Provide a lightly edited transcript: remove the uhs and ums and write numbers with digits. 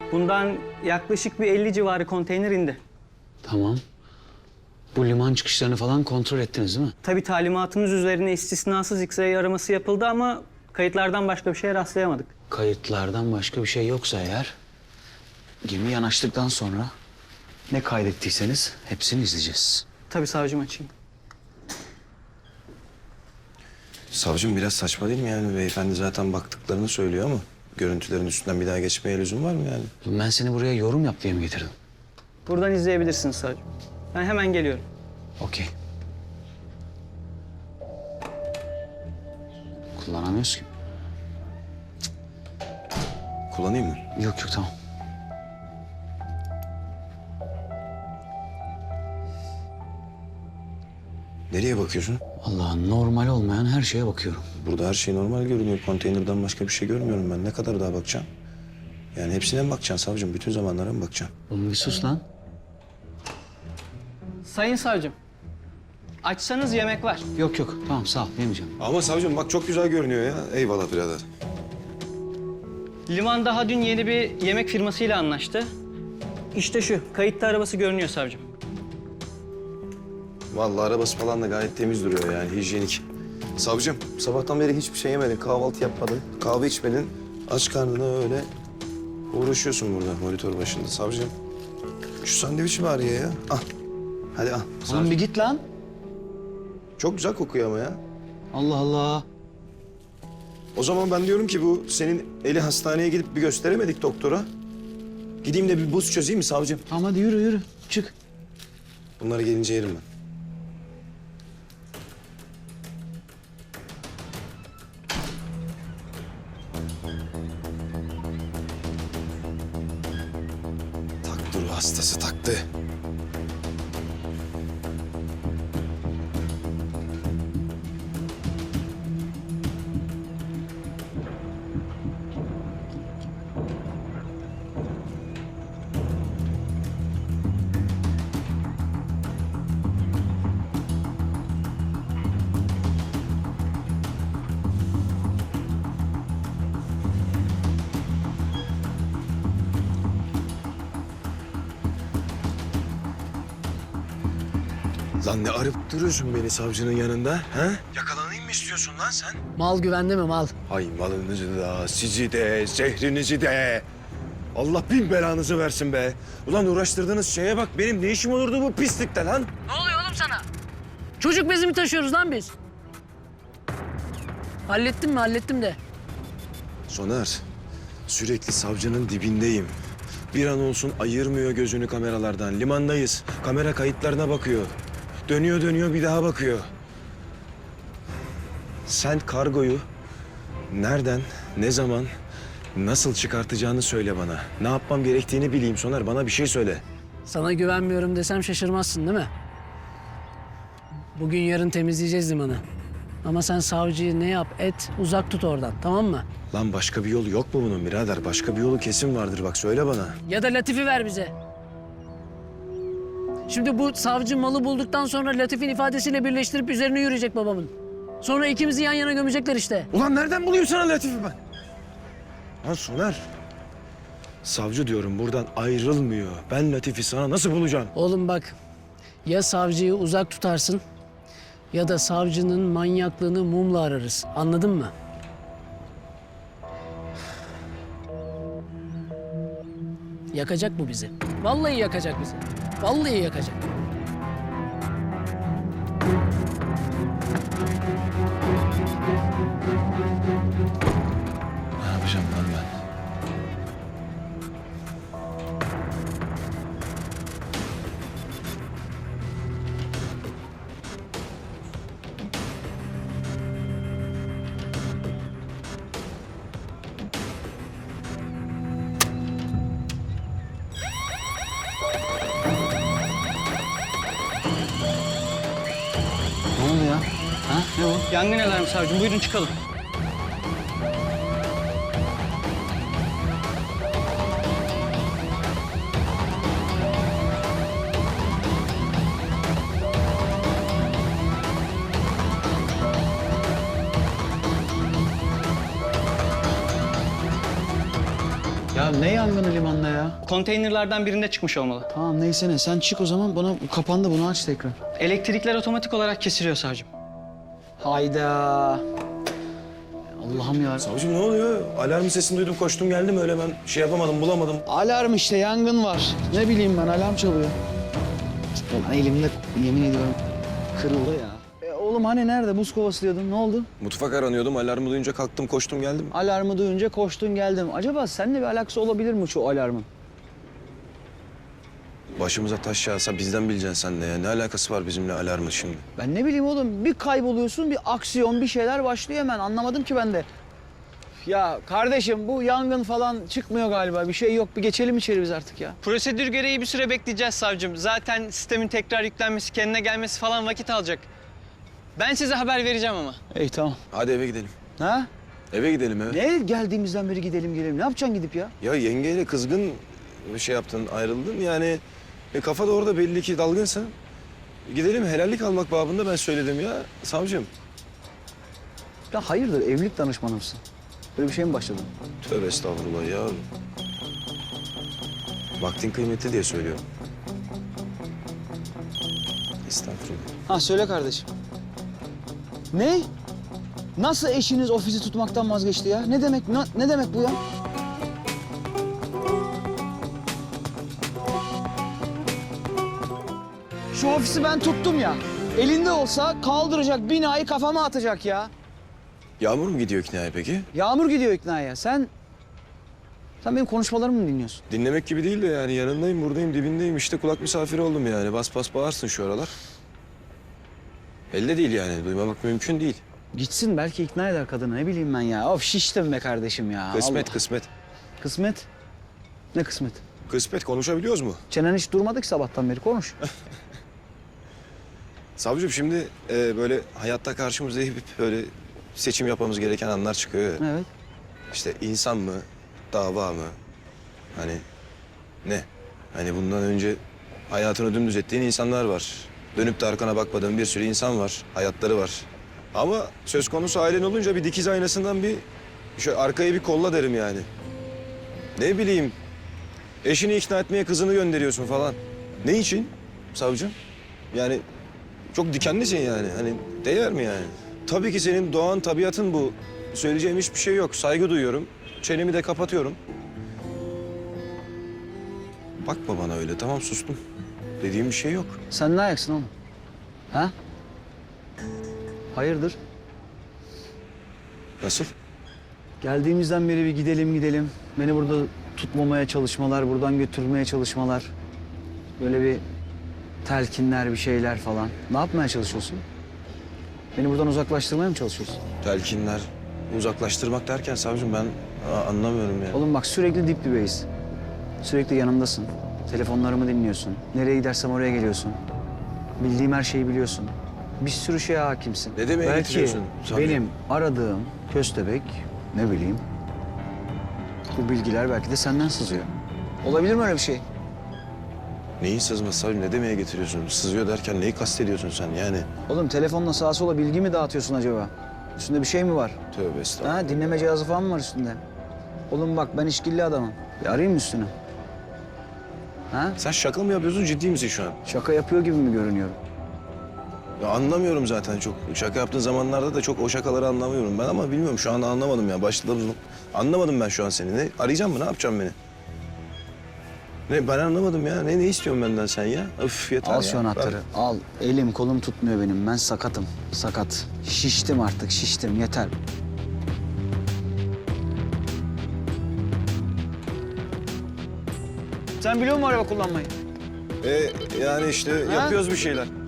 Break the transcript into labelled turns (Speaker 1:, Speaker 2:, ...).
Speaker 1: Bundan yaklaşık bir 50 civarı konteyner indi.
Speaker 2: Tamam. Bu liman çıkışlarını falan kontrol ettiniz değil mi?
Speaker 1: Tabii talimatımız üzerine istisnasız X-ray araması yapıldı ama kayıtlardan başka bir şeye rastlayamadık.
Speaker 2: Kayıtlardan başka bir şey yoksa eğer... gemi yanaştıktan sonra ne kaydettiyseniz hepsini izleyeceğiz.
Speaker 1: Tabii savcım, açayım.
Speaker 3: Savcım biraz saçma değil mi yani? Beyefendi zaten baktıklarını söylüyor ama görüntülerin üstünden bir daha geçmeye lüzum var mı yani?
Speaker 2: Ben seni buraya yorum yap diye mi getirdim?
Speaker 1: Buradan izleyebilirsiniz savcım. Ben hemen geliyorum.
Speaker 2: Okey. Kullanamıyoruz ki.
Speaker 3: Kullanayım mı?
Speaker 2: Yok yok, tamam.
Speaker 3: Nereye bakıyorsun?
Speaker 2: Allah, normal olmayan her şeye bakıyorum.
Speaker 3: Burada her şey normal görünüyor. Konteynerden başka bir şey görmüyorum ben. Ne kadar daha bakacağım? Yani hepsine mi bakacaksın savcım? Bütün zamanlara mı bakacaksın?
Speaker 2: Oğlum bir sus lan.
Speaker 1: Sayın savcım, açsanız yemek var.
Speaker 2: Yok yok, tamam sağ ol, yemeyeceğim.
Speaker 3: Ama savcım bak çok güzel görünüyor ya. Eyvallah birader.
Speaker 1: Liman daha dün yeni bir yemek firmasıyla anlaştı. İşte şu, kayıtta arabası görünüyor savcım.
Speaker 3: Vallahi arabası falan da gayet temiz duruyor yani hijyenik. Savcım sabahtan beri hiçbir şey yemedin, kahvaltı yapmadın, kahve içmedin. Aç karnına öyle uğraşıyorsun burada monitör başında savcım. Şu sandviçi var ya. Al. Hadi al.
Speaker 2: Oğlum bir git lan.
Speaker 3: Çok güzel kokuyor ama ya.
Speaker 2: Allah Allah.
Speaker 3: O zaman ben diyorum ki bu senin eli hastaneye gidip bir gösteremedik doktora. Gideyim de bir buz çözeyim mi savcım?
Speaker 2: Tamam hadi yürü yürü, çık.
Speaker 3: Bunları gelince yerim ben. Taktı ruh hastası taktı. Lan ne arıp duruyorsun beni savcının yanında, ha? Yakalanayım mı istiyorsun lan sen?
Speaker 4: Mal güvende mi mal?
Speaker 3: Hay malınızı da, sizi de, zehrinizi de. Allah bin belanızı versin be. Ulan uğraştırdığınız şeye bak, benim ne işim olurdu bu pislikte lan?
Speaker 4: Ne oluyor oğlum sana? Çocuk bezi mi taşıyoruz lan biz? Hallettim mi? Hallettim de.
Speaker 3: Soner, sürekli savcının dibindeyim. Bir an olsun ayırmıyor gözünü kameralardan. Limandayız, kamera kayıtlarına bakıyor. Dönüyor dönüyor bir daha bakıyor. Sen kargoyu nereden, ne zaman, nasıl çıkartacağını söyle bana. Ne yapmam gerektiğini bileyim Soner, bana bir şey söyle.
Speaker 4: Sana güvenmiyorum desem şaşırmazsın değil mi? Bugün yarın temizleyeceğiz limanı. Ama sen savcıyı ne yap et uzak tut oradan, tamam mı?
Speaker 3: Lan başka bir yolu yok mu bunun birader? Başka bir yolu kesin vardır bak söyle bana.
Speaker 4: Ya da Latif'i ver bize. Şimdi bu savcı malı bulduktan sonra Latif'in ifadesiyle birleştirip üzerine yürüyecek babamın. Sonra ikimizi yan yana gömecekler işte.
Speaker 3: Ulan nereden bulayım sana Latif'i ben? Lan Soner. Savcı diyorum buradan ayrılmıyor. Ben Latif'i sana nasıl bulacağım?
Speaker 4: Oğlum bak, ya savcıyı uzak tutarsın ya da savcının manyaklığını mumla ararız. Anladın mı? Yakacak bu bizi. Vallahi yakacak bizi. Vallahi yakacak.
Speaker 3: Ne yapacağım lan ben?
Speaker 2: Ne oldu ya? Ha? Ne o?
Speaker 1: Yangın alarmı savcım, buyurun çıkalım.
Speaker 2: Ya Ya ne yangını limanda ya?
Speaker 1: Konteynerlardan birinde çıkmış olmalı.
Speaker 2: Tamam neyse ne. Sen çık o zaman. Bana kapandı, bunu aç tekrar.
Speaker 1: Elektrikler otomatik olarak kesiliyor savcım.
Speaker 2: Hayda. Allah'ım ya.
Speaker 3: Savcım ne oluyor? Alarm sesini duydum, koştum geldim öyle, ben şey yapamadım, bulamadım.
Speaker 2: Alarm işte, yangın var. Ne bileyim ben, alarm çalıyor. Ulan elimde yemin ediyorum kırıldı ya. Oğlum hani nerede? Buz kovası diyordun. Ne oldu?
Speaker 3: Mutfak aranıyordum, alarmı duyunca kalktım, koştum geldim.
Speaker 2: Alarmı duyunca koştun geldim. Acaba seninle bir alakası olabilir mi şu alarmın?
Speaker 3: Başımıza taş yağsa bizden bileceksin sen de ya. Ne alakası var bizimle alarmın şimdi?
Speaker 2: Ben ne bileyim oğlum, bir kayboluyorsun, bir aksiyon, bir şeyler başlıyor hemen. Anlamadım ki ben de. Ya kardeşim, bu yangın falan çıkmıyor galiba. Bir şey yok. Bir geçelim içeri biz artık ya.
Speaker 1: Prosedür gereği bir süre bekleyeceğiz savcım. Zaten sistemin tekrar yüklenmesi, kendine gelmesi falan vakit alacak. Ben size haber vereceğim ama.
Speaker 2: İyi tamam.
Speaker 3: Hadi eve gidelim.
Speaker 2: Ha?
Speaker 3: Eve gidelim eve.
Speaker 2: Ne geldiğimizden beri gidelim gelelim. Ne yapacaksın gidip ya?
Speaker 3: Ya yengeyle kızgın bir şey yaptın, ayrıldın. Yani kafa da orada belli ki dalgınsa. Gidelim, helallik almak babında ben söyledim ya savcım.
Speaker 2: Ya hayırdır, evlilik danışmanı mısın? Böyle bir şey mi başladın?
Speaker 3: Tövbe estağfurullah ya. Vaktin kıymetli diye söylüyorum. Estağfurullah.
Speaker 2: Ha söyle kardeşim. Ne? Nasıl eşiniz ofisi tutmaktan vazgeçti ya? Ne demek, ne demek bu ya? Şu ofisi ben tuttum ya. Elinde olsa kaldıracak, binayı kafama atacak ya.
Speaker 3: Yağmur mu gidiyor iknaya peki?
Speaker 2: Yağmur gidiyor iknaya. Sen benim konuşmalarımı mı dinliyorsun?
Speaker 3: Dinlemek gibi değil de yani yanındayım, buradayım, dibindeyim. İşte kulak misafiri oldum yani. Bas bas bağırsın şu aralar. Elde değil yani. Duymamak mümkün değil.
Speaker 2: Gitsin, belki ikna eder kadını. Ne bileyim ben ya. Of şiştim be kardeşim ya.
Speaker 3: Kısmet,
Speaker 2: Allah.
Speaker 3: kısmet.
Speaker 2: Kısmet? Ne kısmet?
Speaker 3: Kısmet, konuşabiliyoruz mu?
Speaker 2: Çenen hiç durmadı ki sabahtan beri. Konuş.
Speaker 3: Savcım şimdi böyle hayatta karşımıza hep böyle seçim yapmamız gereken anlar çıkıyor ya.
Speaker 2: Evet.
Speaker 3: İşte insan mı, dava mı? Hani ne? Hani bundan önce hayatını dümdüz ettiğin insanlar var. Dönüp de arkana bakmadığın bir sürü insan var. Hayatları var. Ama söz konusu ailen olunca bir dikiz aynasından bir şöyle arkaya bir kolla derim yani. Ne bileyim, eşini ikna etmeye kızını gönderiyorsun falan. Ne için savcım? Yani çok dikenlisin yani. Hani değer mi yani? Tabii ki senin doğan tabiatın bu. Söyleyeceğim hiçbir şey yok. Saygı duyuyorum. Çenemi de kapatıyorum. Bakma bana öyle. Tamam, sustum. Dediğim bir şey yok.
Speaker 2: Sen ne ayaksın oğlum? Ha? Hayırdır?
Speaker 3: Nasıl?
Speaker 2: Geldiğimizden beri bir gidelim. Beni burada tutmamaya çalışmalar, buradan götürmeye çalışmalar. Böyle bir telkinler, bir şeyler falan. Ne yapmaya çalışıyorsun? Beni buradan uzaklaştırmaya mı çalışıyorsun?
Speaker 3: Telkinler, uzaklaştırmak derken savcım ben anlamıyorum yani.
Speaker 2: Oğlum bak, sürekli dip dibeyiz. Sürekli yanımdasın. Telefonlarımı dinliyorsun. Nereye gidersem oraya geliyorsun. Bildiğim her şeyi biliyorsun. Bir sürü şeye hakimsin.
Speaker 3: Ne demeye
Speaker 2: Belki
Speaker 3: getiriyorsun? Tabii.
Speaker 2: benim aradığım köstebek, ne bileyim, bu bilgiler belki de senden sızıyor. Olabilir mi öyle bir şey?
Speaker 3: Neyin sızması savcım? Ne demeye getiriyorsun? Sızıyor derken neyi kastediyorsun sen yani?
Speaker 2: Oğlum telefonla sağa sola bilgi mi dağıtıyorsun acaba? Üstünde bir şey mi var?
Speaker 3: Tövbe estağfurullah.
Speaker 2: Ha, dinleme cihazı falan mı var üstünde? Oğlum bak, ben işkilli adamım. Bir arayayım mı üstünü? Ha?
Speaker 3: Sen şaka mı yapıyorsun, ciddi misin şu an?
Speaker 2: Şaka yapıyor gibi mi görünüyorum?
Speaker 3: Ya anlamıyorum zaten çok. Şaka yaptığın zamanlarda da çok o şakaları anlamıyorum ben ama bilmiyorum şu an anlamadım ya. Başladığımız anlamadım ben şu an seni. Ne arayacağım mı? Ne yapacağım beni? Ne ben anlamadım ya. Ne istiyorsun benden sen ya? Öf yeter
Speaker 2: Al
Speaker 3: ya.
Speaker 2: şu anahtarı. Al. Elim kolum tutmuyor benim. Ben sakatım. Sakat. Şiştim artık. Şiştim. Yeter. Sen biliyor musun araba kullanmayı?
Speaker 3: Yani işte yapıyoruz bir şeyler.